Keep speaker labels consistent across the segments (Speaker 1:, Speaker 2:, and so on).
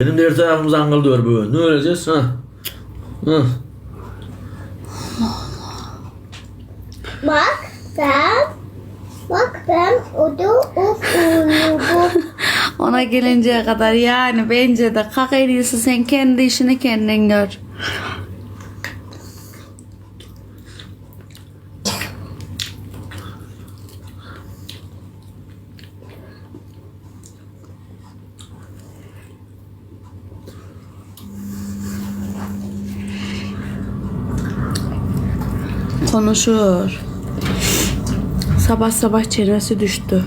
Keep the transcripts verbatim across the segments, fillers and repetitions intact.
Speaker 1: Benim de her tarafım zangıldıyor böyle. Ne öleceğiz? Ha? Hı.
Speaker 2: Bak ben, bak ben o da o uyudu.
Speaker 3: Ona gelinceye kadar yani bence de kalk en iyisi sen kendi işini kendin gör. Konuşur. Sabah sabah çenesi düştü.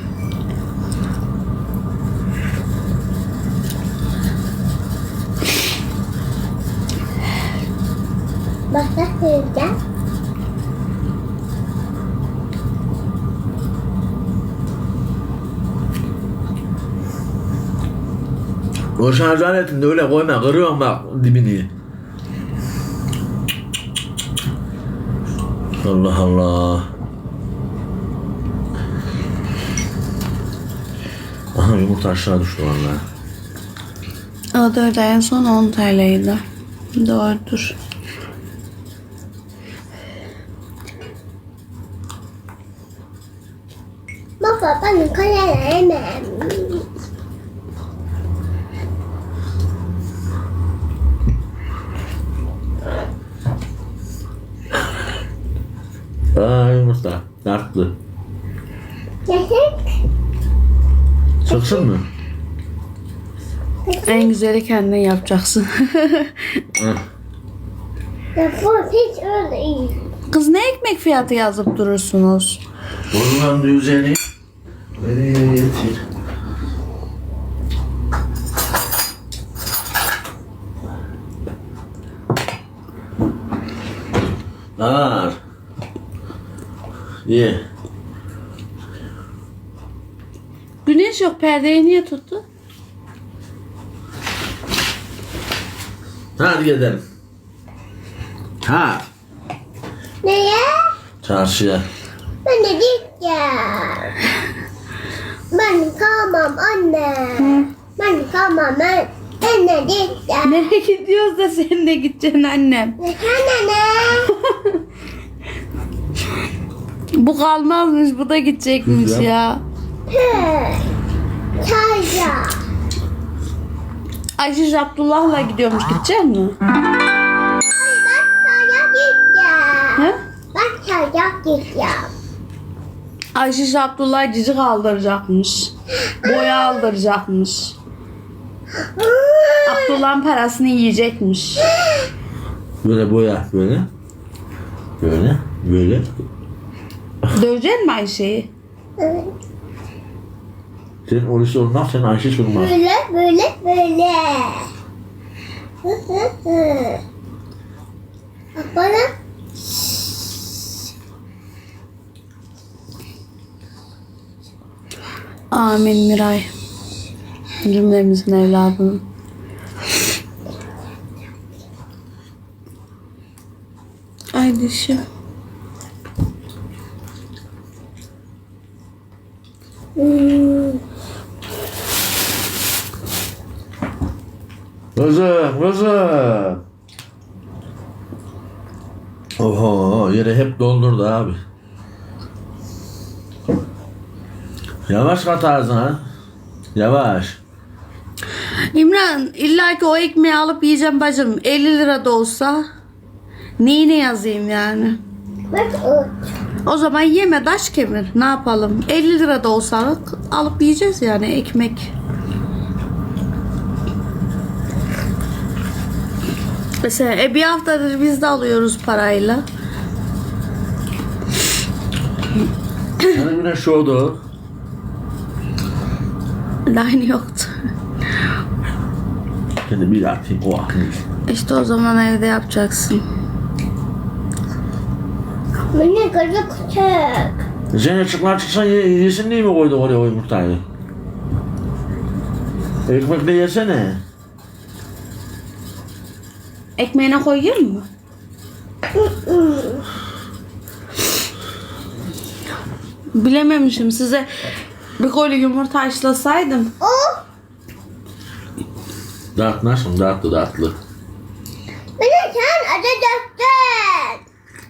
Speaker 2: Bak nasıl yiyeceğim?
Speaker 1: O şarj aletini de öyle koyma. Kırıyorum bak dibini. Allah Allah. Aha yumurta aşağı düştü vallahi.
Speaker 3: O da en son on T L'ydi. Doğrudur.
Speaker 2: Baba benim kalelerim.
Speaker 1: Aa yumurta. Dartlı.
Speaker 2: Gerçek.
Speaker 1: Çıksın mı?
Speaker 3: En güzeli kendin yapacaksın.
Speaker 1: Hı.
Speaker 2: Ya bu hiç öyle değil.
Speaker 3: Kız ne ekmek fiyatı yazıp durursunuz?
Speaker 1: Bozulan düzeni nereye getir? Nar. Ye.
Speaker 3: Güneş yok, perdeyi niye tuttu?
Speaker 1: Hadi gidelim. Ha.
Speaker 2: Neye?
Speaker 1: Çarşıya.
Speaker 2: Ben de gideceğim. Ben kalmam anne. Ben kalmam ben. Ben de gideceğim.
Speaker 3: Nereye gidiyoruz da sen de gideceksin annem.
Speaker 2: Ne sen ne?
Speaker 3: Bu kalmazmış, bu da gidecekmiş
Speaker 1: Güzel.
Speaker 3: ya.
Speaker 2: Hı. Çayca.
Speaker 3: Ayşe Abdullah'la gidiyormuş, gidecek mi?
Speaker 2: Ay ben çaya gideceğim.
Speaker 3: He?
Speaker 2: Ben çaya gideceğim.
Speaker 3: Ayşe Abdullah cici kaldıracakmış. Boya aldıracakmış. Abdullah'ın parasını yiyecekmiş.
Speaker 1: Böyle boya böyle. Böyle. Böyle.
Speaker 3: Dövecek mi Ayşe'yi?
Speaker 2: Evet.
Speaker 1: Senin orası olmaz, sen Ayşe sormaz.
Speaker 2: Böyle böyle böyle. Hı hı hı. Bak bana.
Speaker 3: Amin Miray. Cümlemizin evladının. Ay dişim.
Speaker 2: Hmm.
Speaker 1: Kızım, kızım. Oho, yere hep doldurdu abi. Yavaş kat ağzına. Yavaş.
Speaker 3: İmran, illa ki o ekmeği alıp yiyeceğim bacım. elli lira da olsa neyine yazayım yani?
Speaker 2: Bak o.
Speaker 3: O zaman yeme, taş kemir. Ne yapalım? elli lira da olsa alıp yiyeceğiz yani ekmek. Mesela e, bir haftadır biz de alıyoruz parayla.
Speaker 1: Hani güneş doğdu.
Speaker 3: Line yoktu.
Speaker 1: Şimdi bir atayım o atayım.
Speaker 3: İşte o zaman evde yapacaksın.
Speaker 2: Beni kırık küçük.
Speaker 1: Sen açıklar çıksan ye, yesin diye mi koyduk oraya o yumurtayı? Ekmekle yesene.
Speaker 3: Ekmeğine koyayım mı? Bilememişim, size bir koli yumurta haşlasaydım.
Speaker 2: O.
Speaker 1: Dert nasıl? Dertli dertli.
Speaker 2: Bana sen adı döktün.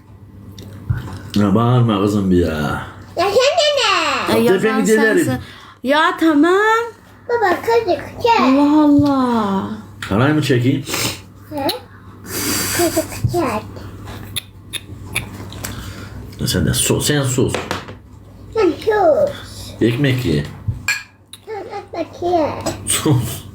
Speaker 1: Ya bağırma kızım bir ya.
Speaker 2: Ya sen de ne?
Speaker 3: Ay,
Speaker 1: Tepemi
Speaker 3: yazan
Speaker 1: delerim.
Speaker 3: sensin. Ya tamam.
Speaker 2: Baba kızık çek.
Speaker 3: Allah Allah.
Speaker 1: Halay mı çekeyim?
Speaker 2: He? Kızık çek.
Speaker 1: Sen de sus. Sen sus.
Speaker 2: Sen sus.
Speaker 1: Ekmek ye.
Speaker 2: Sen ekmek ye.
Speaker 1: Sus.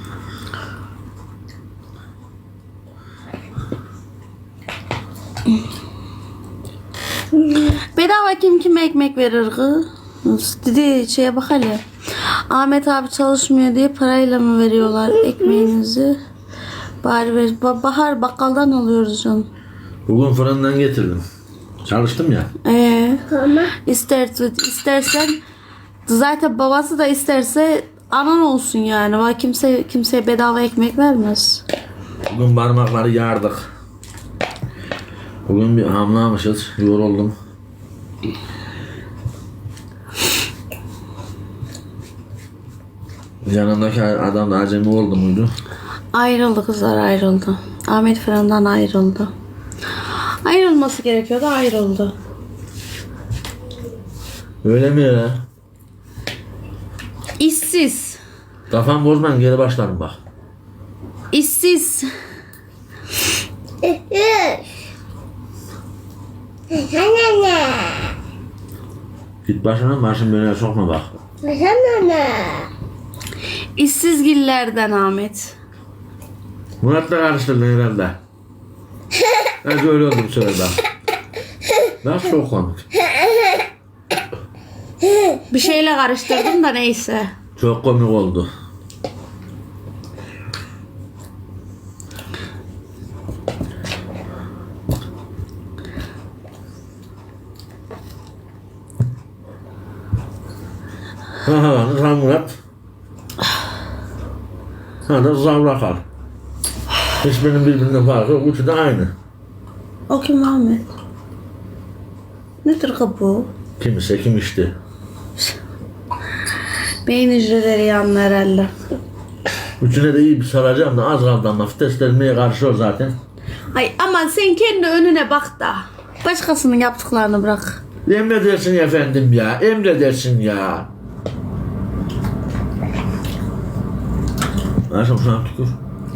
Speaker 3: Bedava kim kime ekmek verir kız? Dedi şeye bak hele. Ahmet abi çalışmıyor diye parayla mı veriyorlar ekmeğinizi? Bari ver. Ba- Bahar bakkaldan alıyoruz canım.
Speaker 1: Bugün fırından getirdim. Çalıştım ya.
Speaker 3: Ee,
Speaker 2: Ama
Speaker 3: ister, istersen zaten babası da isterse anan olsun yani. Var kimse kimseye bedava ekmek vermez.
Speaker 1: Bugün parmakları yardık. Bugün bir hamlamışız. Yoruldum. Yanındaki adam da acemi oldu muydu?
Speaker 3: Ayrıldı kızlar ayrıldı. Ahmet Fırın'dan ayrıldı. Ayrılması gerekiyordu ayrıldı.
Speaker 1: Öyle mi ya?
Speaker 3: İşsiz.
Speaker 1: Kafam bozman geri başlarım bak.
Speaker 3: İşsiz.
Speaker 2: üf. Sen ne?
Speaker 1: Git başına başım böyle sokma bak.
Speaker 2: Sen ne?
Speaker 3: İşsiz gillerden Ahmet.
Speaker 1: Murat'la karıştırdın herhalde. Ben öyle oldum sırada. Nasıl çok komik.
Speaker 3: Bir şeyle karıştırdım da neyse.
Speaker 1: Çok komik oldu. Ha ha, Rıza Murat. Ha da Rıza Murat. Hiçbirinin birbirinden farkı yok. Üçü de aynı.
Speaker 3: O kim Ahmet? Nedir ki bu?
Speaker 1: Kimse kim işte.
Speaker 3: Beyin hücreleri yandı herhalde.
Speaker 1: Üçüne de iyi bir saracağım da az kaldı ama testlenmeye karışıyor zaten.
Speaker 3: Ay aman sen kendi önüne bak da. Başkasının yaptıklarını bırak.
Speaker 1: Emredersin efendim ya. Emredersin ya. Ayşem sana tükür.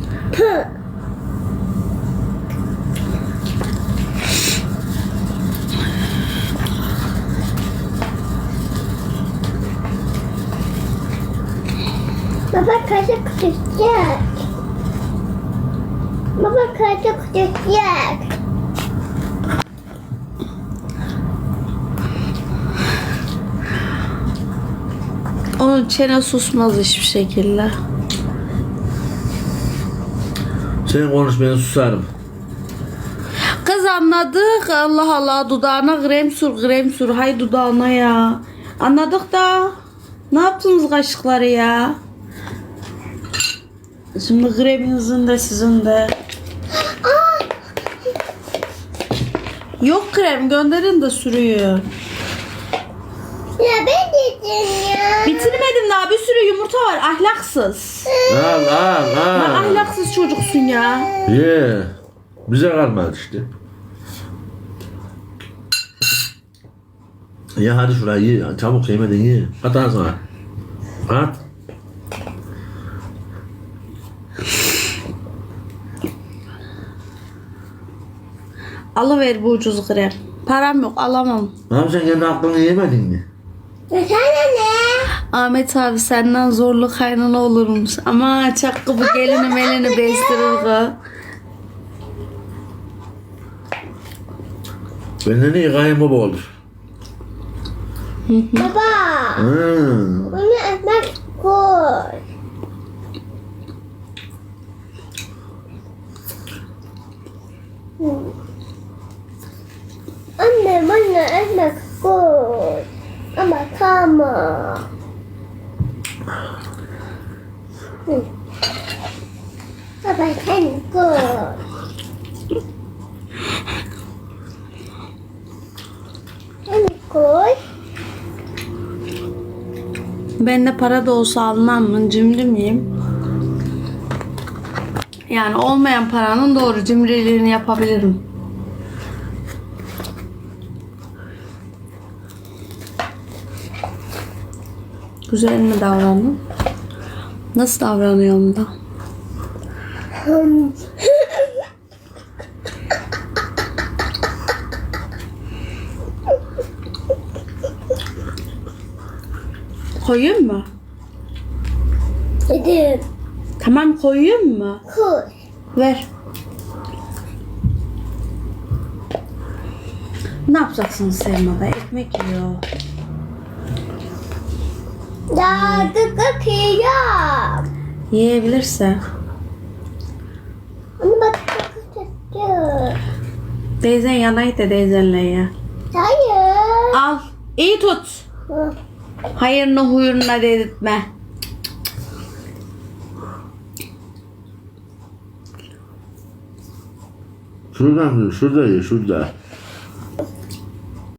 Speaker 2: Baba kaşık tutacak. Baba kaşık tutacak.
Speaker 3: Onun çene susmaz hiçbir şekilde.
Speaker 1: Sen konuş ben susarım.
Speaker 3: Kız anladık. Allah Allah dudağına krem sür krem sür. Hay dudağına ya. Anladık da. Ne yaptınız kaşıkları ya? Şimdi kreminizin de sizin de. Yok krem gönderin de sürüyor.
Speaker 2: Ya ben dedim ya.
Speaker 3: Bitirmedim daha bir sürü yumurta var ahlaksız.
Speaker 1: Al al
Speaker 3: Lan
Speaker 1: al.
Speaker 3: ahlaksız çocuksun ya.
Speaker 1: Ye. Bize kalmadı işte. Ya hadi şurayı ye. Çabuk yemeden ye. At ağzına. At.
Speaker 3: Alıver bu ucuz krem. Param yok alamam.
Speaker 1: Abi sen kendi aklını yemedin mi?
Speaker 2: Ya sen ne?
Speaker 3: Ahmet abi senden zorlu kaynana olurmuş. Ama çakkı bu gelini melini bestirir kız.
Speaker 1: Benden iyi kayınbaba olur.
Speaker 2: Baba.
Speaker 1: Hmm.
Speaker 2: Bunu ekmek koy. Anne bana ekmek koy. Ama kalma. Hı. Baba sen koy. Sen koy.
Speaker 3: Ben de para da olsa almam mı? Cimri miyim? Yani olmayan paranın doğru cimriliğini yapabilirim. Güzel mi davrandım? Nasıl davranıyorum da? Koyayım mı?
Speaker 2: Dedim.
Speaker 3: Tamam koyayım mı?
Speaker 2: Koy.
Speaker 3: Ver. Ne yapacaksınız Selma Bey? Ekmek yiyor.
Speaker 2: Daha tıkık yiyeceğim.
Speaker 3: Yiyebilirse.
Speaker 2: Ama bak tıkık tuttu.
Speaker 3: Teyzen yanaydı da teyzenle ye.
Speaker 2: Hayır.
Speaker 3: Al. İyi tut.
Speaker 2: Hı.
Speaker 3: Hayırını huyuruna dedirtme.
Speaker 1: Şuradan, şurada ye, şurada.